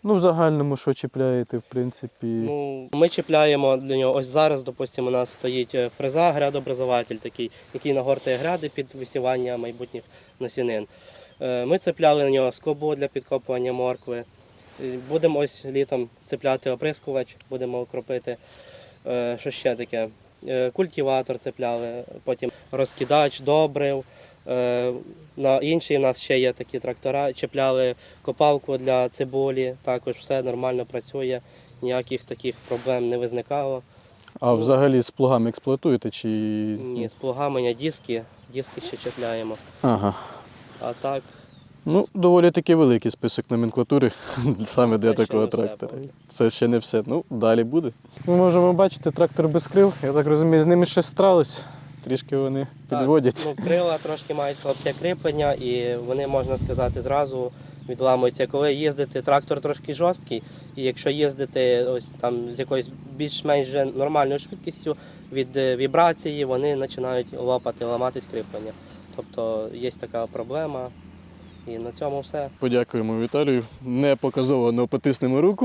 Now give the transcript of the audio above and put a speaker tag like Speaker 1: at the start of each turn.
Speaker 1: Ну, в загальному, що чіпляєте, в принципі?
Speaker 2: Ну, ми чіпляємо для нього, ось зараз, допустимо, у нас стоїть фреза, грядообразователь такий, який нагортає гряди під висівання майбутніх насінин. Ми цепляли на нього скобу для підкопування моркви. Будемо ось літом цепляти оприскувач, будемо окропити. Що ще таке? Культиватор цепляли, потім розкидач, добрив. На іншій у нас ще є такі трактора, чіпляли копалку для цибулі, також все нормально працює, ніяких таких проблем не виникало.
Speaker 1: А взагалі з плугами експлуатуєте чи?
Speaker 2: Ні, з плугами ні, диски ще чіпляємо.
Speaker 1: Ага.
Speaker 2: А так,
Speaker 1: Ну, доволі таки великий список номенклатури саме для
Speaker 2: Це ще
Speaker 1: такого
Speaker 2: не все,
Speaker 1: трактора.
Speaker 2: правда.
Speaker 1: Це ще не все. Ну, далі буде. Ми можемо бачити трактор без крил. Я так розумію, з ними щось сталося. Трішки вони підводять.
Speaker 2: ну, крила трошки мають слабке кріплення і вони, можна сказати, зразу відламуються. Коли їздити, трактор трошки жорсткий, і якщо їздити ось там з якоюсь більш-менш вже нормальною швидкістю, від вібрації вони починають лопати, ламатись кріплення. Тобто є така проблема. І на цьому все.
Speaker 1: Подякуємо Віталію. Не показово, але потиснемо руку.